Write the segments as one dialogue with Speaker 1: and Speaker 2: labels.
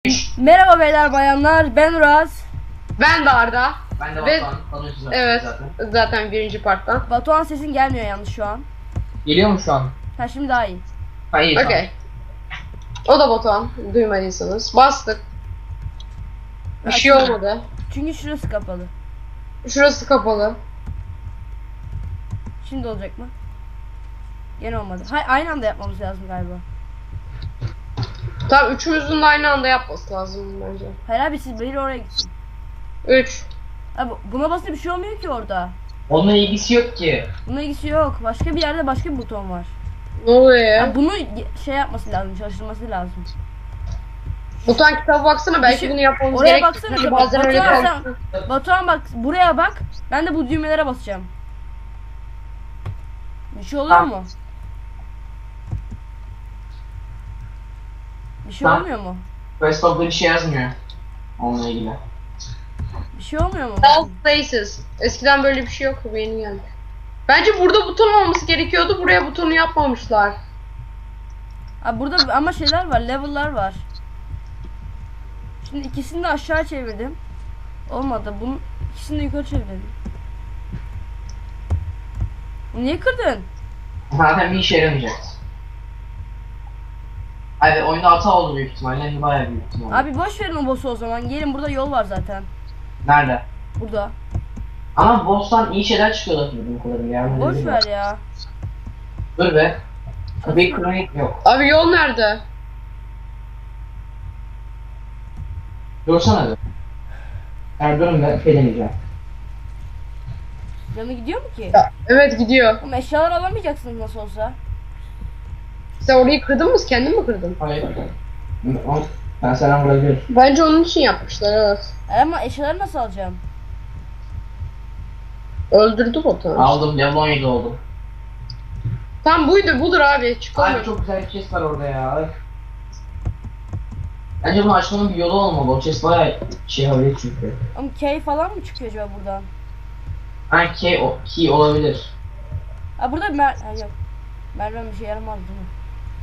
Speaker 1: Merhaba beyler bayanlar, ben Uraz.
Speaker 2: Ben de Arda.
Speaker 3: Ben de
Speaker 2: Ve-
Speaker 3: Batuhan. Tanıyorsunuz
Speaker 2: Evet.
Speaker 3: zaten.
Speaker 2: Zaten birinci parttan.
Speaker 1: Batuhan sesin gelmiyor yalnız şu an.
Speaker 3: Geliyor mu şu an?
Speaker 1: Ha şimdi daha iyi.
Speaker 3: Hayır şu an.
Speaker 2: Okey. O da Batuhan. Duymadıysanız. Bastık. Bir şey olmadı.
Speaker 1: Çünkü şurası kapalı.
Speaker 2: Şurası kapalı.
Speaker 1: Şimdi olacak mı? Gene olmadı. Hayır, aynı anda yapmamız lazım galiba.
Speaker 2: Tamam, üçümüzün de aynı anda yapması lazım bence.
Speaker 1: Hayır abi, siz biri oraya gitsin.
Speaker 2: 3.
Speaker 1: Abi buna basınca bir şey olmuyor ki orada.
Speaker 3: Onunla ilgisi yok ki.
Speaker 1: Bununla ilgisi yok. Başka bir yerde başka bir buton var.
Speaker 2: Ne oluyor ya?
Speaker 1: Ya bunu şey yapması lazım, çalıştırması lazım.
Speaker 2: Batuhan kitaba baksana, belki
Speaker 1: şey-
Speaker 2: bunu yapmamız
Speaker 1: oraya
Speaker 2: gerek.
Speaker 1: baksana,
Speaker 2: Çünkü bazen öyle
Speaker 1: Batuhan
Speaker 2: kalıyor.
Speaker 1: Batuhan bak, buraya bak. Ben de bu düğmelere basacağım. Bir şey oluyor
Speaker 3: Ha.
Speaker 1: mu? Bir şey
Speaker 3: Ha.
Speaker 1: olmuyor mu?
Speaker 3: Quest'ta bir şey yazmıyor. Onunla ilgili.
Speaker 1: Bir şey olmuyor mu?
Speaker 2: All places. Eskiden böyle bir şey yoktu, bu yeni geldi. Bence burada buton olması gerekiyordu. Buraya butonu yapmamışlar.
Speaker 1: Abi burada ama şeyler var, level'lar var. Şimdi ikisini de aşağı çevirdim. Olmadı. Bunun ikisini de yukarı çevirdim. Niye kırdın?
Speaker 3: Zaten bir işe yaramayacak. Abi oyunda hata oldu büyük ihtimalle. Bayağı büyük ihtimalle.
Speaker 1: Abi boş verin o boss'u o zaman. Gelin, burada yol var zaten.
Speaker 3: Nerede?
Speaker 1: Burada.
Speaker 3: Ama boss'tan iyi şeyler çıkıyorlar bildiğim kadarıyla ya.
Speaker 1: Boş ver ya.
Speaker 3: Dur be. Kapıyı kronik yok.
Speaker 2: Abi yol nerede?
Speaker 3: Dursana bir. Yani durun ben şey deneyeceğim.
Speaker 1: Canı gidiyor mu ki?
Speaker 2: Evet, gidiyor.
Speaker 1: Ama eşyalar alamayacaksınız nasıl olsa.
Speaker 2: Sen orayı kırdın mı? Kendin mi kırdın?
Speaker 3: Hayır. Ben sana vurabilirim.
Speaker 2: Bence onun için yapmışlar, evet.
Speaker 1: Ama eşyaları nasıl alacağım?
Speaker 2: Öldürdü botu.
Speaker 3: Aldım. Level 17 oldum.
Speaker 2: Tam budur abi. Çıkalım.
Speaker 3: Abi çok güzel bir chest var orada ya. Bence bunu açmanın bir yolu olmalı. O chest bayağı şey havalı çünkü.
Speaker 1: Ama key falan mı çıkıyor acaba buradan?
Speaker 3: Ha key olabilir.
Speaker 1: Ha burada ha, yok. Merdiven bir şey yaramaz değil mi?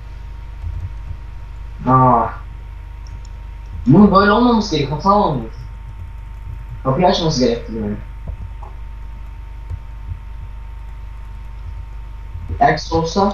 Speaker 3: Bunun böyle olmaması gerek. Hata olmuş. Kapıyı açması gerekti yani. X olsa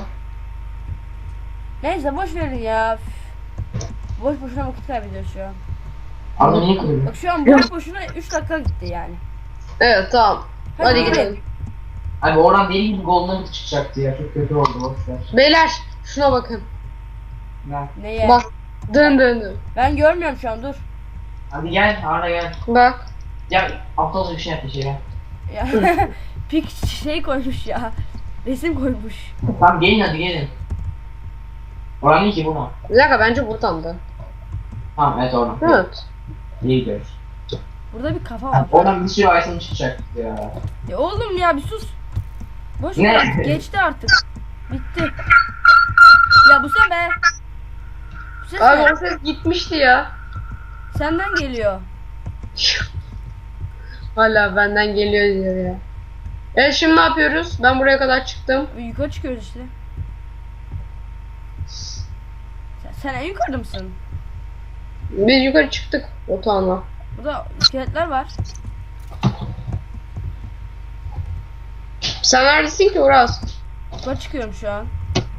Speaker 1: Neyse boş verin ya. Üf. Boş boşuna vakit kaybediyoruz şu an.
Speaker 3: Arda niye kırıyor?
Speaker 1: Bak şu an boş boşuna 3 dakika gitti yani.
Speaker 2: Evet, tamam. Hadi
Speaker 1: gelin.
Speaker 2: gidelim.
Speaker 3: Abi oradan deli gibi golden çıkacaktı ya. Çok kötü oldu. Boşver.
Speaker 2: Beyler, şuna bakın.
Speaker 3: Gel.
Speaker 1: Neye?
Speaker 2: Bak. Dön.
Speaker 1: Ben görmüyorum şu an, dur.
Speaker 3: Hadi gel Arda gel.
Speaker 2: Bak.
Speaker 3: Ya aptalca bir şey yaptı şey ya.
Speaker 1: Ya pik şey koymuş ya. Resim koymuş.
Speaker 3: Tamam gelin hadi gelin. Oran değil ki bu mu?
Speaker 2: Bir dakika, bence buradan da.
Speaker 3: Tamam evet oradan.
Speaker 2: Evet.
Speaker 3: İyi gidiyoruz.
Speaker 1: Burada bir kafa var.
Speaker 3: Oradan bir sürü item çıkacak ya.
Speaker 1: Ya oğlum ya bir sus. Boş
Speaker 3: Ne?
Speaker 1: ver, geçti artık. Bitti. Ya bu sen be. Bu ses
Speaker 2: Abi
Speaker 1: ne?
Speaker 2: o ses gitmişti ya.
Speaker 1: Senden geliyor.
Speaker 2: Hala benden geliyor diyor ya. Evet, şimdi ne yapıyoruz? Ben buraya kadar çıktım.
Speaker 1: Yukarı çıkıyoruz işte. Sen en yukarıda mısın?
Speaker 2: Biz yukarı çıktık Batuhan'la.
Speaker 1: Burada iskeletler var.
Speaker 2: Sen neredesin ki Uras?
Speaker 1: Yukarı çıkıyorum şu an.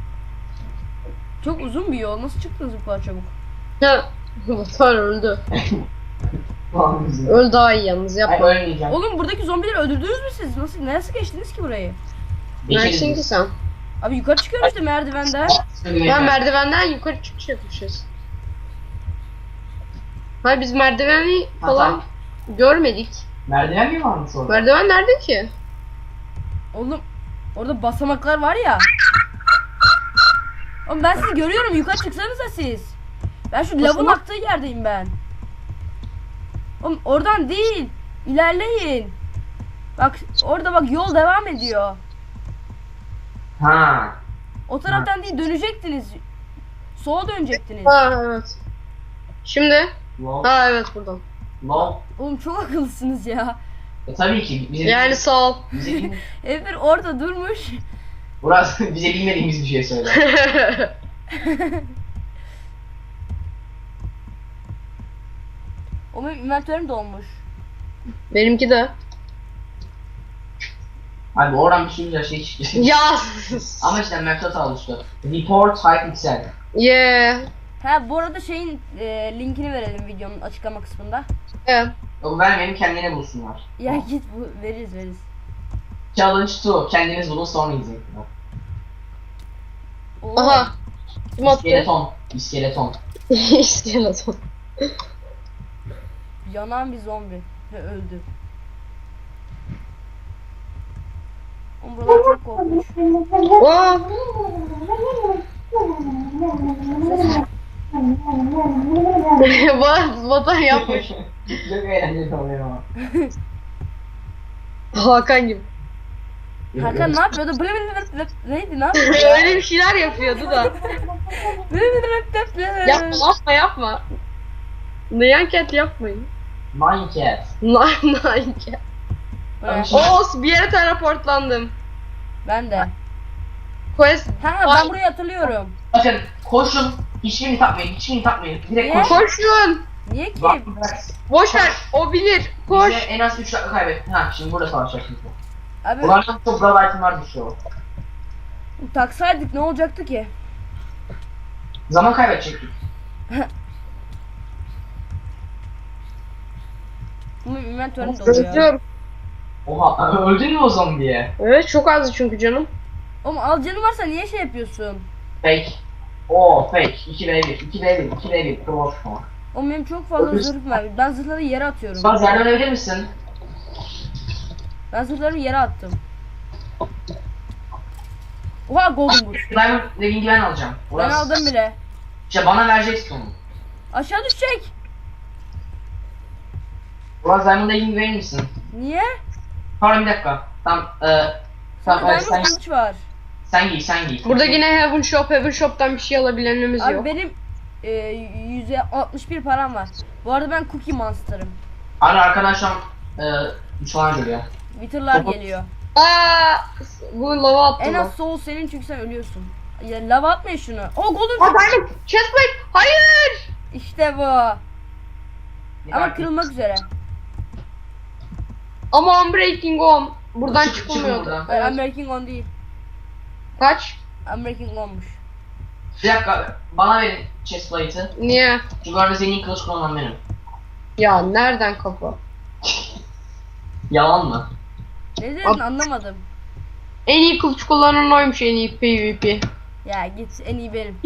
Speaker 1: Çok uzun bir yol. Nasıl çıktınız bu kadar çabuk?
Speaker 2: Ha. Batuhan öldü.
Speaker 3: Tamam bizim.
Speaker 2: Öl daha iyi yalnız,
Speaker 3: Ay
Speaker 2: yapma.
Speaker 3: ölmeyeceğim.
Speaker 1: Oğlum buradaki zombileri öldürdünüz mü siz? Nasıl geçtiniz ki burayı?
Speaker 2: Neredesin ki sen?
Speaker 1: Abi yukarı çıkıyorum işte merdivenden.
Speaker 2: Ben merdivenden yukarı çıkış yapmışız. Hayır, biz merdiveni falan görmedik.
Speaker 3: Merdiven mi varmış orada?
Speaker 2: Merdiven nerede ki?
Speaker 1: Oğlum orada basamaklar var ya. Oğlum ben sizi görüyorum, yukarı çıksanıza siz. Ben şu lavın
Speaker 2: Basamak-
Speaker 1: aktığı yerdeyim ben. Oğlum oradan değil. İlerleyin. Bak orada bak yol devam ediyor.
Speaker 3: Ha.
Speaker 1: O taraftan değil, dönecektiniz. Sola dönecektiniz.
Speaker 2: Ha, evet. Şimdi?
Speaker 3: Lol.
Speaker 2: Ha, evet, buradan.
Speaker 3: Lol.
Speaker 1: Oğlum çok akıllısınız ya.
Speaker 3: Tabii ki bize
Speaker 2: Yani sağ ol.
Speaker 3: bize bilme-
Speaker 1: Emir orada durmuş.
Speaker 3: Burası bize bilmediğimiz bir şey söyle.
Speaker 1: O benim inventörüm dolmuş.
Speaker 2: Benimki de.
Speaker 3: Abi oradan bir sürü şey çıktı.
Speaker 2: Ya.
Speaker 3: Ama işte method alıştı. Report Hypixel.
Speaker 2: Yeah.
Speaker 1: Ha bu arada şeyin linkini verelim videonun açıklama kısmında.
Speaker 2: Evet.
Speaker 3: Yok vermeyelim kendine bulsunlar.
Speaker 1: Ya git bu veririz.
Speaker 3: Challenge 2. Kendiniz bulun sonra izleyin.
Speaker 1: Oo.
Speaker 2: Aha. Kim attı?
Speaker 3: İskeleton. İskeleton.
Speaker 2: İskeleton.
Speaker 1: Yanan bir zombi ve öldü. Oğlum buralar çok korkunç.
Speaker 2: Aa. Vatan yapmış.
Speaker 3: Çok eğlenceli oluyor ama.
Speaker 2: Hakan gibi.
Speaker 1: Hakan ne yapıyordu? Neydi ne yapıyordu?
Speaker 2: Öyle bir şeyler yapıyordu da. Yapma yapma. Nyanket yapmayın.
Speaker 3: Minecraft.
Speaker 2: Nyanket. Oo bir yere teleportlandım.
Speaker 1: Ben de.
Speaker 2: Quest.
Speaker 1: Ha ben burayı hatırlıyorum.
Speaker 3: Bakın koşun. Hiçbirini takmayın. Hiçbirini takmayın. Direkt
Speaker 1: Niye?
Speaker 3: koşun.
Speaker 2: Koşun.
Speaker 1: Niye ki?
Speaker 3: Bak,
Speaker 2: Boş ver. O bilir. Koş.
Speaker 3: bize en az 3 dakika kaybet. Ha şimdi burada savaşacaksınız.
Speaker 1: Abi
Speaker 3: Bunlardan çok bravo itemler düşüyor.
Speaker 1: taksaydık ne olacaktı ki?
Speaker 3: Zaman kaybedecektik.
Speaker 1: Bu inventörüm dolu ya.
Speaker 2: Özlüyorum.
Speaker 3: Oha öldün mü o zombiye?
Speaker 2: Evet çok azdı çünkü canım.
Speaker 1: Oğlum al canın varsa niye şey yapıyorsun?
Speaker 3: Fake. Oo fake. 2v1. 2v1. 2v1. Cross.
Speaker 1: Oğlum benim çok fazla zırhım var. Ben zırhları yere atıyorum.
Speaker 3: Sen yerden ölebilir misin?
Speaker 1: Ben zırhlarımı yere attım. Oha golden boot.
Speaker 3: Diamond Legging'i ben alacağım.
Speaker 1: Ben
Speaker 3: Orası-
Speaker 1: aldım bile.
Speaker 3: İşte bana vereceksin onu.
Speaker 1: Aşağı düşecek.
Speaker 3: Ulan Diamond Legging verir misin?
Speaker 1: Niye?
Speaker 3: Pardon bir dakika. Tamam.
Speaker 1: Sana
Speaker 3: Tamam
Speaker 1: diamond kılıç var.
Speaker 3: sen giy.
Speaker 2: Burada yine Heaven Shop'tan bir şey alabilenimiz
Speaker 1: Abi
Speaker 2: yok.
Speaker 1: benim %61 param var. Bu arada ben Cookie Monster'ım.
Speaker 3: Hani arkadaşlar düşman geliyor.
Speaker 1: Wither'lar geliyor.
Speaker 2: Aa, bu lava attı
Speaker 1: En
Speaker 2: lan.
Speaker 1: az soul senin çünkü sen ölüyorsun. Ya lava atma şunu. Oh golden.
Speaker 2: Aa diamond. Chestplate. Hayır.
Speaker 1: İşte bu. Ama kırılmak üzere.
Speaker 2: Ama Unbreaking On. Buradan
Speaker 3: Çık- çıkın
Speaker 2: çıkılmıyordu.
Speaker 3: buradan.
Speaker 1: Hayır,
Speaker 2: Evet.
Speaker 1: American Gun değil.
Speaker 2: Kaç?
Speaker 1: American Gun'muş.
Speaker 3: Bir dakika bana verin chestplate'ı.
Speaker 2: Niye?
Speaker 3: Çünkü orada zengin kılıç kullanan benim.
Speaker 2: Ya nereden kafa?
Speaker 3: Yalan mı?
Speaker 1: Ne dedin anlamadım.
Speaker 2: En iyi kılıç kullanan oymuş en iyi PvP.
Speaker 1: Ya git en iyi benim.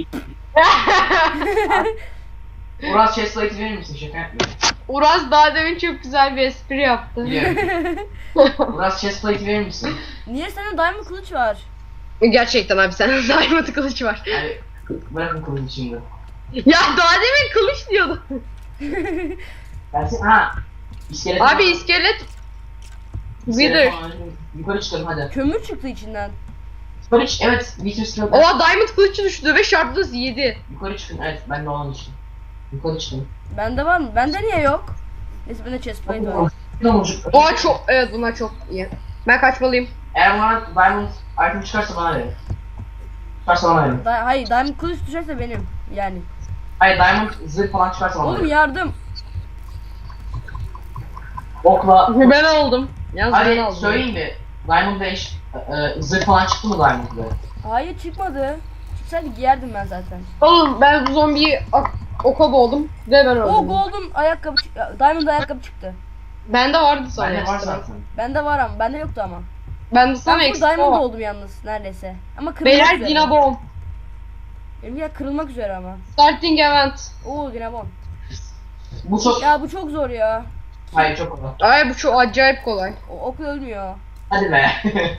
Speaker 3: Uras chestplate'ı verir misin? Şaka yapmıyorum.
Speaker 2: Uraz daha demin çok güzel bir espri yaptı.
Speaker 3: Biliyorum. Uras chestplate'ı verir misin?
Speaker 1: Niye sende diamond kılıç var?
Speaker 2: Gerçekten abi sende diamond kılıç var.
Speaker 3: Yani bırakın kılıcı şimdi.
Speaker 2: Ya daha demin kılıç diyordu.
Speaker 3: Gelsin ha. İskelet.
Speaker 2: Abi iskelet. Wither.
Speaker 3: Yukarı çıkalım hadi.
Speaker 1: Kömür çıktı içinden.
Speaker 3: Yukarı çık. Evet. Wither skeleton.
Speaker 2: Oha diamond kılıcı düştü ve şartlısı 7.
Speaker 3: Yukarı çıkın. Evet ben de olan için. Yukarı çıkın.
Speaker 1: Bende var mı? Bende niye yok? Neyse bende chestplate var.
Speaker 2: Oha çok evet bunlar çok iyi. Ben kaçmalıyım.
Speaker 3: Eğer bana diamond item çıkarsa bana verin. Çıkarsa bana verin.
Speaker 1: Hayır diamond kılıç düşerse benim. Yani.
Speaker 3: Hayır diamond zırh falan çıkarsa bana
Speaker 1: Oğlum
Speaker 3: verin.
Speaker 1: yardım.
Speaker 3: Okla.
Speaker 2: Ben aldım. Yalnız ben
Speaker 3: Hadi
Speaker 2: aldım.
Speaker 3: söyleyeyim mi? Diamond 5 zırh falan çıktı mı Diamond'da?
Speaker 1: Hayır çıkmadı. Çıksaydı giyerdim ben zaten.
Speaker 2: Oğlum ben bu zombiyi oka boğdum ve ben öldüm.
Speaker 1: O golden ayakkabı diamond ayakkabı çıktı.
Speaker 2: Bende vardı sana
Speaker 3: Bende var
Speaker 2: ekstra.
Speaker 3: zaten.
Speaker 1: Bende var ama bende yoktu ama.
Speaker 2: Bende sana
Speaker 1: Ben full
Speaker 2: ekstra
Speaker 1: diamond
Speaker 2: var.
Speaker 1: oldum yalnız neredeyse. Ama kırılmak
Speaker 2: Beyler
Speaker 1: üzere.
Speaker 2: Dinabon.
Speaker 1: Benim ya kırılmak üzere ama.
Speaker 2: Starting event.
Speaker 1: Oo Dinabon.
Speaker 3: Bu çok...
Speaker 1: Ya bu çok zor ya.
Speaker 3: Hayır çok kolay.
Speaker 2: Ay bu çok acayip kolay.
Speaker 1: O ok ölmüyor.
Speaker 3: Hadi be.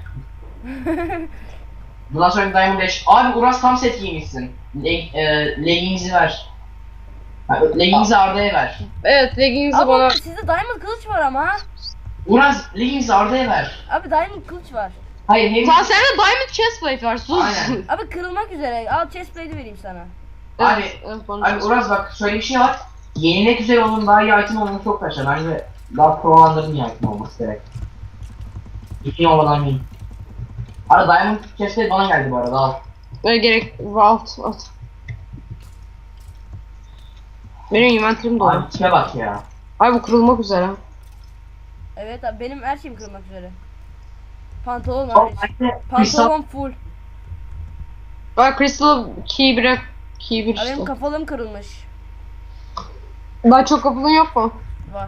Speaker 3: Bundan sonra bir Diamond 5. Abi Uras tam set giymişsin. Leggings'i ver. Leggings'i Arda'ya ver.
Speaker 2: Evet leggings'i
Speaker 1: Ama
Speaker 2: bana.
Speaker 1: sizde diamond kılıç var ama.
Speaker 3: Uras Leggings'i Arda'ya ver.
Speaker 1: Abi diamond kılıç var.
Speaker 3: Hayır hem...
Speaker 2: Sen sende diamond chestplate var sus.
Speaker 3: Aynen.
Speaker 1: Abi kırılmak üzere. Al chestplate'i vereyim sana.
Speaker 3: Abi,
Speaker 2: evet,
Speaker 3: Abi Uras bak şöyle bir şey var. Yenilik üzere onun daha iyi item olması çok taşır. Bence daha pro'landırın iyi item olması gerek. İkin olmadan yiyin. Abi Diamond chestplate bana geldi bu arada al.
Speaker 2: Öyle gerek at. Benim inventörüm dolu.
Speaker 3: Abi tipe bak ya.
Speaker 2: Ay bu kırılmak üzere.
Speaker 1: Evet abi benim her şeyim kırılmak üzere. Pantolon
Speaker 3: O
Speaker 1: hariç.
Speaker 3: bende kristal
Speaker 1: Pantolon full.
Speaker 2: Ay Crystal key bir key bir
Speaker 1: Abi benim
Speaker 2: işte.
Speaker 1: kafalım kırılmış.
Speaker 2: Daha çok kapılın yok mu?
Speaker 1: Var.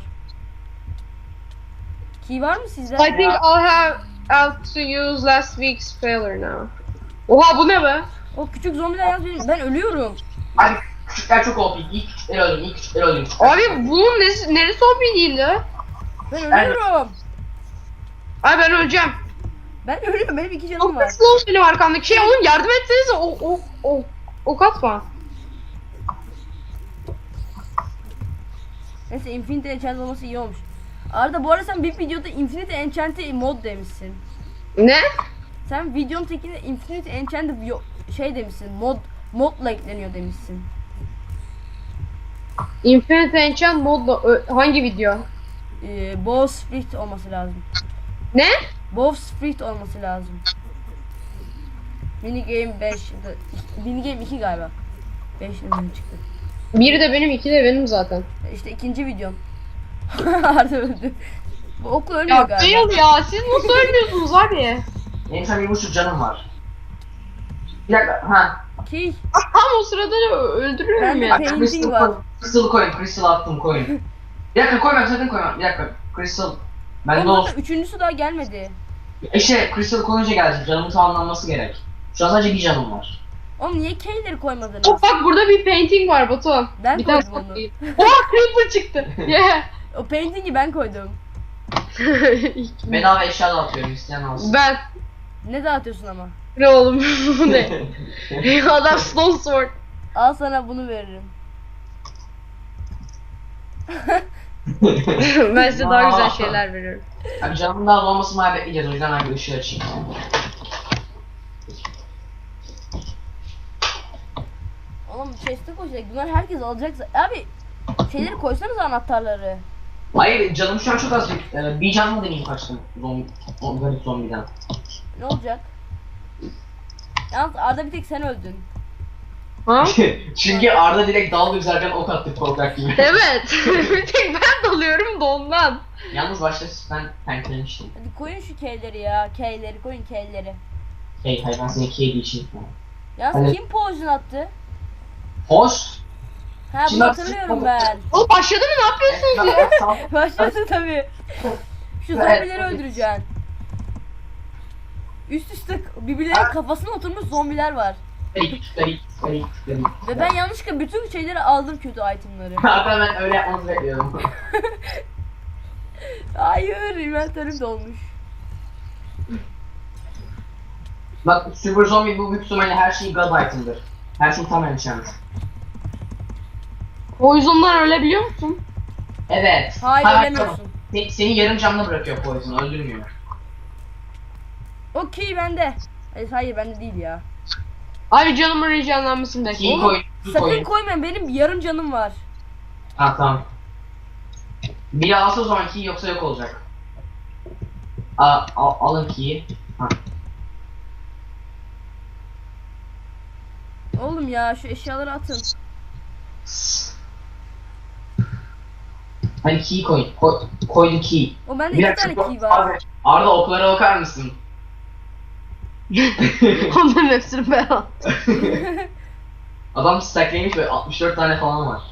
Speaker 1: Key var mı sizde?
Speaker 2: I think I'll have to use last week's failure now. Oha bu ne be?
Speaker 1: O küçük zombiler yalnız ben ölüyorum.
Speaker 3: Abi küçükler çok OP. İlk küçükleri öldüreyim. İlk küçükleri öldüreyim.
Speaker 2: Abi bunun neresi OP değildi?
Speaker 1: Ben ölüyorum.
Speaker 2: Ay ben öleceğim.
Speaker 1: Ben ölüyorum. Benim 2 canım
Speaker 2: Çok
Speaker 1: var.
Speaker 2: slow benim arkamdaki şey oğlum yardım etsenize o katma.
Speaker 1: Neyse Infinity Enchant olması iyi olmuş. Arda bu arada sen bir videoda Infinity Enchant'ı mod demişsin.
Speaker 2: Ne?
Speaker 1: Sen videonun tekinde Infinity Enchant'ı şey demişsin. Modla ekleniyor demişsin.
Speaker 2: Infinite Enchant modla hangi video?
Speaker 1: Bowsprit olması lazım.
Speaker 2: Ne?
Speaker 1: Bowsprit olması lazım. Minigame 5. Minigame 2 galiba. 5 çıktı.
Speaker 2: Biri de benim, iki de benim zaten.
Speaker 1: İşte ikinci videom. Arda öldü. Bu okul ölmüyor
Speaker 2: Ya
Speaker 1: galiba.
Speaker 2: değil ya, siz nasıl ölmüyorsunuz abi?
Speaker 3: Benim sana 1,5 canım var. Bir dakika. Ha.
Speaker 1: Ki
Speaker 2: Tam o sırada öldürüyorum
Speaker 1: Ben de
Speaker 2: ya.
Speaker 1: painting
Speaker 3: Crystal
Speaker 1: var.
Speaker 3: koy. Crystal koyun. Crystal attım koyun. Bir dakika koyma sakın koyma. Bir dakika. Crystal. Bende
Speaker 1: Ama
Speaker 3: olsun.
Speaker 1: üçüncüsü daha gelmedi.
Speaker 3: İşte Crystal koyunca gelecek. Canımın tamamlanması gerek. Şu an sadece bir canım var.
Speaker 1: Oğlum niye K'leri koymadınız?
Speaker 2: Oh, bak burada bir painting var Batu.
Speaker 1: Ben
Speaker 2: bir tane
Speaker 1: koydum onu.
Speaker 2: Oha creeper çıktı. Yeah.
Speaker 1: O painting'i ben koydum.
Speaker 3: Bedava eşya da atıyorum isteyen alsın.
Speaker 2: Ben.
Speaker 1: Ne dağıtıyorsun ama?
Speaker 2: Ne oğlum bu ne? Adam stone sword.
Speaker 1: Al sana bunu veririm.
Speaker 2: Ben size daha güzel şeyler veriyorum.
Speaker 3: Abi canımın daha dolmasını bekleyeceğiz. O yüzden ben bir ışığı açayım.
Speaker 1: Oğlum chest'e koyacak. Bunlar herkes alacak. Abi şeyleri koysanız anahtarları.
Speaker 3: Hayır canım şu an çok az. Bir canlı deneyim kaçtım. O garip zombiden.
Speaker 1: Ne olacak? Yalnız Arda bir tek sen öldün.
Speaker 2: Ha?
Speaker 3: Çünkü Arda direkt dalga üzerken ok attı korkak gibi.
Speaker 2: Evet. Bir tek ben dalıyorum da ondan.
Speaker 3: Yalnız başta ben tanklemiştim.
Speaker 1: Hadi koyun şu K'leri ya. K'leri koyun K'leri.
Speaker 3: Hey hayır ben seni ikiye geçeyim.
Speaker 1: Yalnız
Speaker 3: Hadi.
Speaker 1: kim poison attı?
Speaker 3: Hoş.
Speaker 1: Ha
Speaker 3: Şimdi
Speaker 1: bunu
Speaker 3: bak-
Speaker 1: hatırlıyorum ben.
Speaker 2: Oğlum başladı mı, ne yapıyorsunuz ya?
Speaker 1: Başladı tabii. Şu zombileri öldüreceksin. Üst üste birbirlerinin kafasına oturmuş zombiler var. Ve ben yanlışlıkla bütün şeyleri aldım, kötü itemları.
Speaker 3: Hatta ben öyle yapmanızı bekliyordum.
Speaker 1: Hayır, inventörüm dolmuş.
Speaker 3: Bak Super Zombie bu büyük ihtimalle her şey God item'dır. Her şey tam enchant.
Speaker 2: Poison'dan ölebiliyor musun?
Speaker 3: Evet.
Speaker 1: Hayır,
Speaker 3: Ha,
Speaker 1: ölemiyorsun.
Speaker 3: tamam. Seni yarım canlı bırakıyor Poison, öldürmüyor.
Speaker 1: Okey bende. Hayır bende değil ya.
Speaker 2: Abi canımın rejenlenmesini bekle.
Speaker 3: Key koy, key
Speaker 1: Sakın
Speaker 3: koy.
Speaker 1: koymayın, benim yarım canım var.
Speaker 3: Ha tamam. Biri alsa o zaman key yoksa yok olacak. Alın key'i. Ha.
Speaker 1: Oğlum ya şu eşyaları atın.
Speaker 3: Hani key koy. Koydu key.
Speaker 1: O bende
Speaker 3: Bir
Speaker 1: 2
Speaker 3: dakika,
Speaker 1: tane key var.
Speaker 3: Abi, Arda oklara bakar mısın?
Speaker 2: Onların hepsini ben attım.
Speaker 3: Adam stacklemiş ve 64 tane falan var.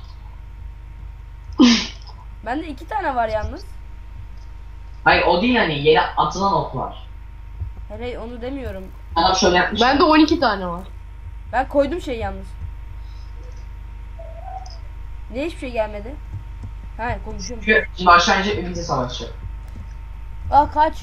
Speaker 1: Bende 2 tane var yalnız.
Speaker 3: Hayır o değil yani yere atılan oklar.
Speaker 1: Hele onu demiyorum.
Speaker 3: Adam şöyle yapmış.
Speaker 2: Bende 12 tane var.
Speaker 1: Ben koydum şey yalnız. Niye hiçbir şey gelmedi? Ha konuşuyorum.
Speaker 3: Çünkü şimdi aşağı inecek ve bize savaşacak.
Speaker 1: Kaç.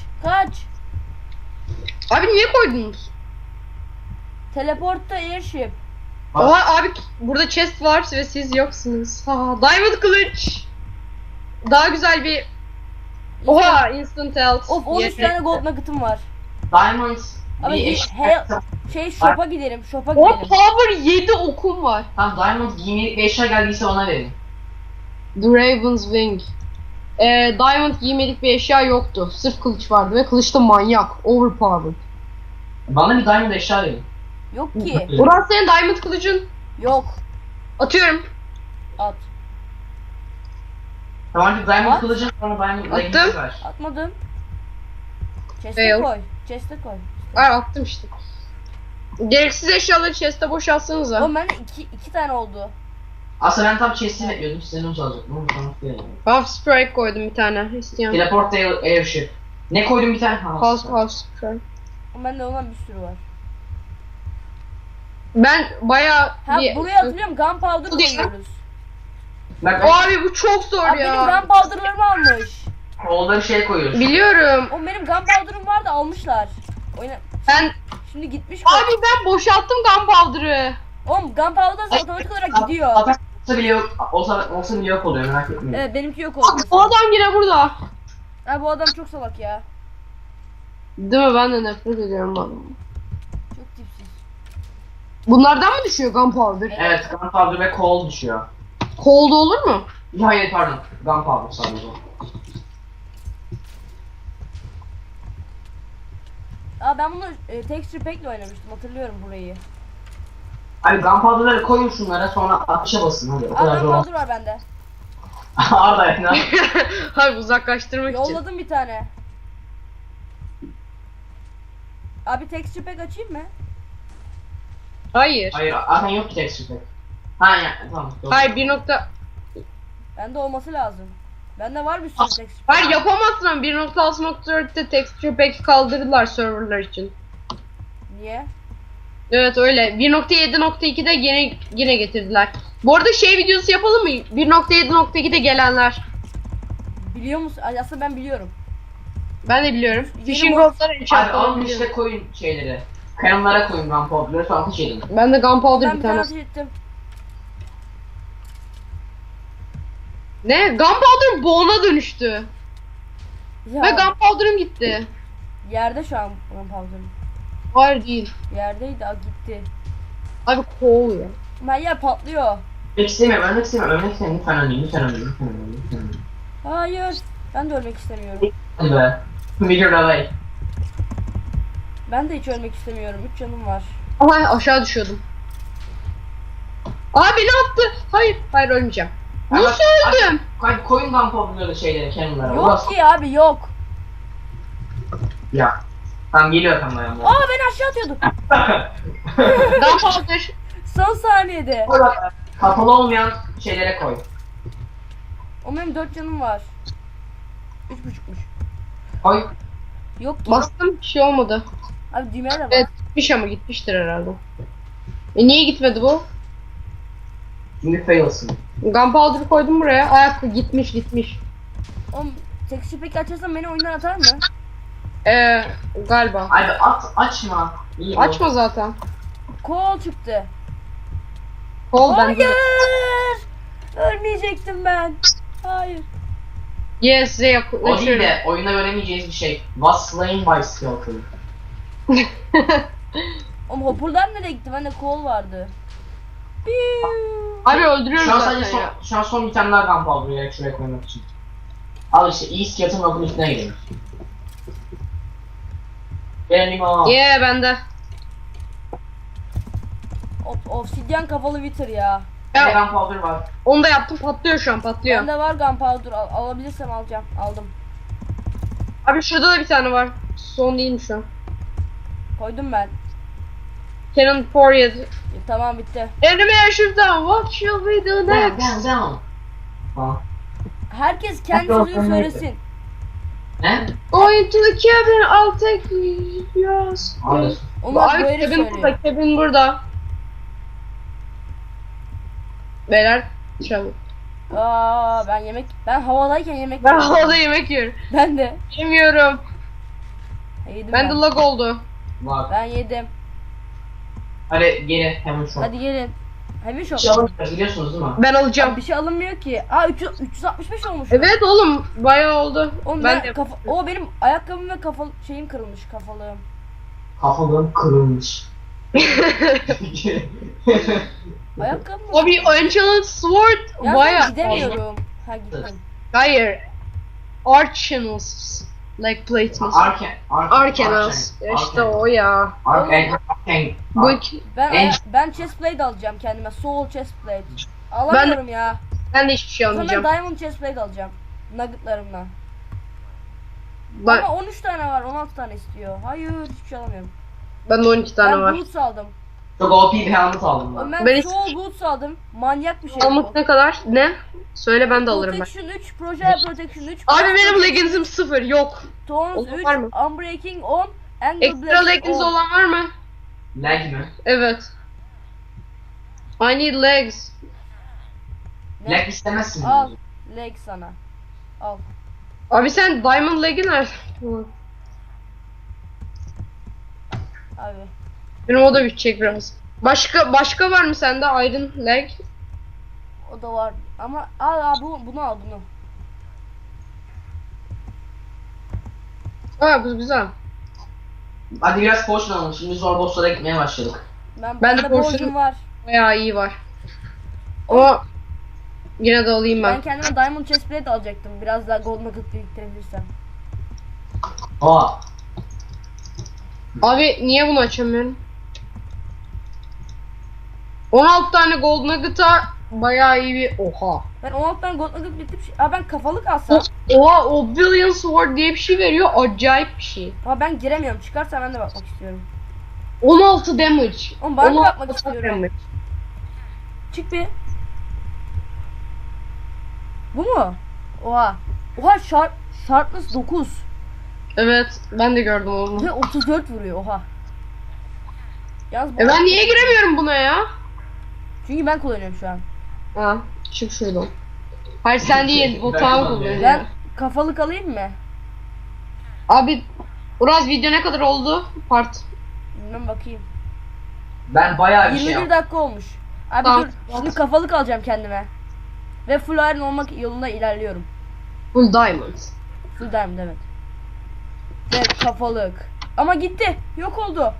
Speaker 2: Abi niye koydunuz?
Speaker 1: Teleportta airship.
Speaker 3: Bak.
Speaker 2: Oha abi burada chest var ve siz yoksunuz. Ha, diamond kılıç. Daha güzel bir... Oha instant health.
Speaker 1: Of 13
Speaker 2: Yeter.
Speaker 1: tane gold nugget'ım var.
Speaker 3: Diamond
Speaker 1: Abi
Speaker 3: bir
Speaker 1: shop'a gidelim. Shop'a
Speaker 2: O
Speaker 1: gidelim.
Speaker 2: power 7 okum var.
Speaker 3: Tamam Diamond giymelik bir eşya geldiyse ona verin.
Speaker 2: The Raven's Wing. Diamond giymelik bir eşya yoktu. Sırf kılıç vardı ve kılıç da manyak. Overpowered.
Speaker 3: Bana bir Diamond eşya verin.
Speaker 1: Yok ki.
Speaker 2: Burası senin diamond kılıcın.
Speaker 1: Yok.
Speaker 2: Atıyorum.
Speaker 1: At.
Speaker 3: Tamam ki Diamond
Speaker 1: At.
Speaker 3: kılıcın sonra Diamond
Speaker 2: Attım.
Speaker 3: leggings ver.
Speaker 1: Atmadım. Chest'e
Speaker 2: Fail.
Speaker 1: koy. Chest'e koy.
Speaker 2: Ay attım işte. Gereksiz eşyaları chest'e boşaltsanıza.
Speaker 1: Oğlum bende iki tane oldu.
Speaker 3: Aslında ben tam chest'i bekliyordum. Sizden onu çalacaktım ama sonra geldim.
Speaker 2: Half Sprite koydum bir tane. İsteyen.
Speaker 3: Teleport airship. Ne koydum bir tane?
Speaker 2: Half Sprite.
Speaker 1: Oğlum bende olan bir sürü var.
Speaker 2: Ben bayağı
Speaker 1: Ha
Speaker 2: bir...
Speaker 1: buraya hatırlıyorum gunpowder
Speaker 2: Bu değil lan.
Speaker 1: koyuyoruz.
Speaker 3: Bak
Speaker 2: Abi bu çok zor
Speaker 1: Abi benim
Speaker 2: ya.
Speaker 1: gunpowder'larımı almış.
Speaker 3: kolları şey koyuyoruz.
Speaker 2: Biliyorum.
Speaker 1: Oğlum benim gunpowder'ım vardı almışlar. Oyna.
Speaker 2: Ben...
Speaker 1: Şimdi gitmiş.
Speaker 2: Abi ben boşalttım gunpowder'ı.
Speaker 1: Oğlum gunpowder otomatik olarak gidiyor.
Speaker 3: Atak olsa bile yok, olsa bile yok oluyor merak etmeyin.
Speaker 1: Evet benimki yok oldu.
Speaker 2: Abi bu adam yine burada.
Speaker 1: Ha bu adam çok salak ya.
Speaker 2: Değil mi? Ben de nefret ediyorum bu adamı.
Speaker 1: Çok tipsiz.
Speaker 2: Bunlardan mı düşüyor gunpowder?
Speaker 3: Evet, gunpowder ve coal düşüyor.
Speaker 2: Cold olur mu?
Speaker 3: Hayır pardon, gunpowder sadece.
Speaker 1: Aa ben bunu texture pack'le oynamıştım hatırlıyorum burayı.
Speaker 3: Abi gunpowder'ları koyun şunlara sonra atışa basın hadi o
Speaker 1: Aa
Speaker 3: kadar zor.
Speaker 1: gunpowder var bende.
Speaker 3: Arda ya.
Speaker 2: Abi uzaklaştırmak için.
Speaker 1: Yolladım bir tane. Abi texture pack açayım mı?
Speaker 2: Hayır.
Speaker 3: Hayır, zaten yok ki texture pack. Ha ya, tamam. Yok.
Speaker 2: Hayır bir nokta...
Speaker 1: Bende olması lazım. Bende var bir sürü texture pack.
Speaker 2: Hayır yapamazsın ama 1.6.4'te texture pack kaldırdılar serverlar için.
Speaker 1: Niye?
Speaker 2: Evet öyle. 1.7.2'de yine getirdiler. Bu arada şey videosu yapalım mı? 1.7.2'de gelenler.
Speaker 1: Biliyor musun? Ay, aslında ben biliyorum.
Speaker 2: Ben de biliyorum.
Speaker 1: Yeni
Speaker 2: Fishing
Speaker 1: mod-
Speaker 2: rodları
Speaker 3: Abi
Speaker 2: enchantları
Speaker 3: alın
Speaker 2: biliyorum.
Speaker 3: işte koyun şeyleri. Kayanlara koyun gunpowder'ları sonra ateş edin.
Speaker 2: Ben de gunpowder
Speaker 1: Ben
Speaker 2: bir
Speaker 1: bir tane
Speaker 2: tane.
Speaker 1: ateş ettim.
Speaker 2: Ne? Gunpowder boğuna dönüştü.
Speaker 1: Ya,
Speaker 2: Ve gunpowder'ım gitti.
Speaker 1: yerde şu an gunpowder'ım.
Speaker 2: Hayır değil.
Speaker 1: Yerdeydi gitti.
Speaker 2: Abi coal ya.
Speaker 1: Her yer patlıyor.
Speaker 3: Ölmek istemiyorum, ölmek istemiyorum, ölmek istemiyorum. Lütfen ölmeyin, lütfen ölmeyin, lütfen ölmeyin, lütfen ölmeyin.
Speaker 1: Hayır. Ben de ölmek istemiyorum.
Speaker 3: Hadi be. Video away.
Speaker 1: Ben de hiç ölmek istemiyorum. 3 canım var.
Speaker 2: Ama aşağı düşüyordum. Abi beni attı. Hayır. Hayır ölmeyeceğim.
Speaker 3: Ama-
Speaker 2: Nasıl öldüm?
Speaker 3: Hadi koyun gunpowder'ları şeyleri kenarlara.
Speaker 1: Yok ki abi yok.
Speaker 3: Ya. Tamam geliyor tam dayanma.
Speaker 1: Aa beni aşağı atıyordu.
Speaker 2: Gunpowder.
Speaker 1: Son saniyede.
Speaker 3: Koy bak. Kapalı olmayan şeylere koy.
Speaker 1: O benim 4 canım var. 3,5'muş.
Speaker 3: Koy.
Speaker 1: Yok ki.
Speaker 2: Bastım bir şey olmadı.
Speaker 1: Abi düğmeye de bak.
Speaker 2: Evet gitmiş ama gitmiştir herhalde. Niye gitmedi bu?
Speaker 3: Şimdi failsın.
Speaker 2: Gunpowder'ı koydum buraya. Ayak gitmiş.
Speaker 1: Oğlum texture pack açarsan beni oyundan atar mı?
Speaker 2: Galiba.
Speaker 3: Abi açma. İyi bu.
Speaker 2: Açma zaten.
Speaker 1: Kol çıktı.
Speaker 2: Kol bende.
Speaker 1: Hayır. Ölmeyecektim ben. Hayır.
Speaker 2: Yes size
Speaker 3: O değil
Speaker 2: yaklaşıyorum.
Speaker 3: de oyunda öğrenemeyeceğiz bir şey. Was slain by skeleton.
Speaker 1: Oğlum hopper'lar nereye gitti? Bende kol vardı. Piu.
Speaker 2: Abi öldürüyoruz
Speaker 3: Şu an
Speaker 2: zaten
Speaker 3: sadece
Speaker 2: ya.
Speaker 3: şu an son bir tane daha gunpowder gerek şuraya koymak için. Al işte iyi skeleton lafın üstüne gidelim. Benim o.
Speaker 2: Yeah bende.
Speaker 1: Obsidian kafalı Wither ya.
Speaker 3: Bir de
Speaker 2: Ya
Speaker 3: gunpowder var.
Speaker 2: onu da yaptım patlıyor şu an patlıyor.
Speaker 1: Bende var gunpowder. Alabilirsem alacağım. Aldım.
Speaker 2: Abi şurada da bir tane var. Son değilmiş şu an.
Speaker 1: Koydum ben.
Speaker 2: Cannon Period.
Speaker 1: Tamam bitti.
Speaker 2: Enemy airship'ten what shall we do next?
Speaker 3: Down. Ha.
Speaker 1: Herkes kendi sözünü söylesin.
Speaker 3: Ne?
Speaker 2: Going to the cabin I'll take yours.
Speaker 3: Alır.
Speaker 1: Onlar
Speaker 2: Abi
Speaker 1: böyle
Speaker 2: cabin
Speaker 1: söylüyor.
Speaker 2: burada cabin burada. Beyler çabuk.
Speaker 1: Ben havadayken yemek
Speaker 2: Ben
Speaker 1: yiyorum.
Speaker 2: havada yemek yiyorum.
Speaker 1: Ben de.
Speaker 2: Yemiyorum.
Speaker 1: Yedim
Speaker 2: Ben de lag oldu.
Speaker 3: Var.
Speaker 1: Ben yedim.
Speaker 3: Hadi geri hemen şu an.
Speaker 1: Hadi gelin. Heavy shop.
Speaker 3: Bir şey alamayacağız biliyorsunuz değil mi?
Speaker 2: Ben
Speaker 1: Abi
Speaker 2: alacağım.
Speaker 1: bir şey alınmıyor ki. Aa 365 olmuş.
Speaker 2: Evet oğlum bayağı oldu.
Speaker 1: Oğlum
Speaker 2: Ben
Speaker 1: ben
Speaker 2: de
Speaker 1: o benim ayakkabım ve şeyim kırılmış kafalığım.
Speaker 3: Kafalığım kırılmış.
Speaker 1: Ayakkabım mı?
Speaker 2: Abi Ancient Sword
Speaker 1: Ya ben
Speaker 2: bayağı.
Speaker 1: gidemiyorum. Ha gittim.
Speaker 2: Hayır. Arcanals. Like plates. Arcanals. İşte o ya. Bu iki.
Speaker 1: Ben chestplate alacağım kendime. Soul chestplate. Alamıyorum ya.
Speaker 2: Ben de hiçbir şey
Speaker 1: O zaman
Speaker 2: almayacağım.
Speaker 1: diamond chestplate alacağım. Nuggetlarımla.
Speaker 2: Ben,
Speaker 1: Ama 13 tane var, 16 tane istiyor. Hayır, hiçbir şey alamıyorum.
Speaker 2: ben de 12 tane
Speaker 1: Ben
Speaker 2: var.
Speaker 1: boots aldım.
Speaker 3: Çok OP bir helmet aldım
Speaker 1: Oğlum
Speaker 3: ben.
Speaker 1: ben
Speaker 2: Ben
Speaker 1: soul boots aldım. Manyak bir şey
Speaker 2: Almak
Speaker 1: bu.
Speaker 2: ne kadar? Ne? Söyle ben de alırım ben.
Speaker 1: Protection 3, Project Protection 3.
Speaker 2: Abi benim leggings'im 0 yok.
Speaker 1: Tones
Speaker 2: olan
Speaker 1: 3,
Speaker 2: var mı?
Speaker 1: Unbreaking 10, Angle
Speaker 2: Ekstra
Speaker 1: Blast
Speaker 2: leggings
Speaker 1: 10.
Speaker 2: olan var mı?
Speaker 3: Lag mi?
Speaker 2: Evet. I need legs.
Speaker 1: Ne?
Speaker 3: Lag istemezsin.
Speaker 1: Al, leg sana. Al.
Speaker 2: Abi sen diamond leg'i nerede?
Speaker 1: Abi.
Speaker 2: Benim o da bitecek biraz. Başka var mı sende iron leg?
Speaker 1: O da var. Ama al bunu al bunu.
Speaker 2: Aa bu güzel.
Speaker 3: Hadi biraz potion alalım. Şimdi zor bosslara gitmeye başladık.
Speaker 2: Ben
Speaker 1: Bende
Speaker 2: de
Speaker 1: borcum
Speaker 2: portion-
Speaker 1: var.
Speaker 2: Bayağı iyi var. Ama yine de alayım
Speaker 1: Ben
Speaker 2: ben.
Speaker 1: kendime Diamond Chestplate alacaktım. Biraz daha Gold Nugget biriktirebilirsem.
Speaker 3: Aa.
Speaker 2: Abi niye bunu açamıyorum? 16 tane gold nugget'a bayağı iyi bir... Oha.
Speaker 1: Ben 16 tane Gold Nugget biriktirip... Aa ben kafalık alsam.
Speaker 2: Oha o Billion Sword diye bir şey veriyor. Acayip bir şey.
Speaker 1: Aa ben giremiyorum. Çıkarsa ben de bakmak istiyorum.
Speaker 2: 16 damage.
Speaker 1: Oğlum ben de
Speaker 2: 16
Speaker 1: bakmak istiyorum.
Speaker 2: damage.
Speaker 1: Çık bir. Bu mu? Oha. Oha sharpness 9.
Speaker 2: Evet ben de gördüm onu.
Speaker 1: Ve 34 vuruyor oha. Yalnız bu
Speaker 2: Ben niye giremiyorum buna ya?
Speaker 1: Çünkü ben kullanıyorum şu an.
Speaker 2: Ha çık şuradan. Hayır sen değil. Bu
Speaker 3: Ben
Speaker 2: tamam
Speaker 3: kullanıyorum.
Speaker 2: kullanıyor.
Speaker 1: Ben kafalık alayım mı?
Speaker 2: Abi Uraz video ne kadar oldu? Part.
Speaker 1: Bilmem bakayım.
Speaker 3: Ben bayağı bir şey
Speaker 1: 21
Speaker 3: yaptım.
Speaker 1: dakika olmuş. Abi
Speaker 2: Tamam.
Speaker 1: dur. Şimdi kafalık alacağım kendime. Ve full iron olmak yolunda ilerliyorum.
Speaker 2: Full diamond.
Speaker 1: Full diamond evet. Ve kafalık. Ama gitti. Yok oldu.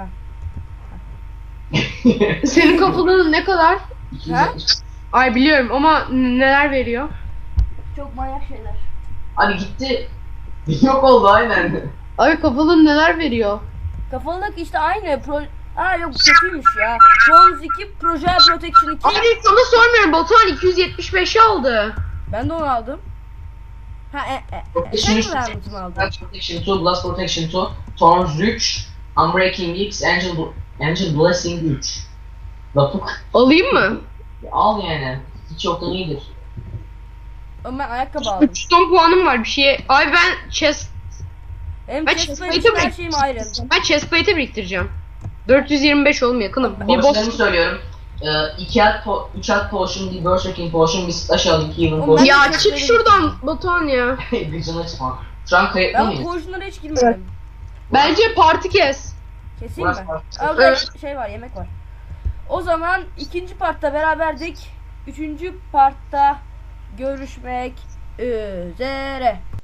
Speaker 2: Senin kafalığın ne kadar?
Speaker 3: 270.
Speaker 2: Ay biliyorum ama neler veriyor?
Speaker 1: Çok manyak şeyler.
Speaker 3: Abi gitti. Yok oldu aynen.
Speaker 2: Abi kafalığın neler veriyor?
Speaker 1: Kafalık işte aynı. Aa yok bu kötüymüş ya. Bronze 2, Project Protection 2.
Speaker 2: Abi sana sormuyorum. Batuhan 275'i aldı.
Speaker 1: Ben de onu aldım. Ha
Speaker 3: Protection
Speaker 1: sen
Speaker 3: 3,
Speaker 1: mi verdin aldın?
Speaker 3: Protection 2, Blast Protection 2, Thorns 3, Unbreaking X, Angel Blessing 3. Lapuk.
Speaker 2: Alayım mı?
Speaker 3: Al yani. Hiç yoktan iyidir.
Speaker 1: Oğlum ben ayakkabı aldım.
Speaker 2: 3 ton puanım var bir şeye. Abi ben
Speaker 1: Benim
Speaker 2: Ben
Speaker 1: chestplate
Speaker 2: chestplate'e
Speaker 1: için her
Speaker 2: mi-
Speaker 1: şeyim iron.
Speaker 2: chestplate'e biriktireceğim. 425 oğlum yakınım. Bir
Speaker 3: Potionlarımı
Speaker 2: boss.
Speaker 3: söylüyorum. 3 at potion, bir berserking potion, bir slash al, 2 healing
Speaker 1: Oğlum ben-
Speaker 3: potion.
Speaker 2: Ya çık şuradan Batuhan ya.
Speaker 3: Gıcına çıkma. Şu an kayıtlı
Speaker 1: Ben
Speaker 3: mıyız?
Speaker 1: potionlara hiç girmedim.
Speaker 2: Bence parti kes.
Speaker 1: Keseyim mi?
Speaker 3: Burası-
Speaker 1: Aa, burada
Speaker 2: Evet.
Speaker 1: şey var, yemek var. O zaman ikinci partta beraberdik. Üçüncü partta görüşmek üzere.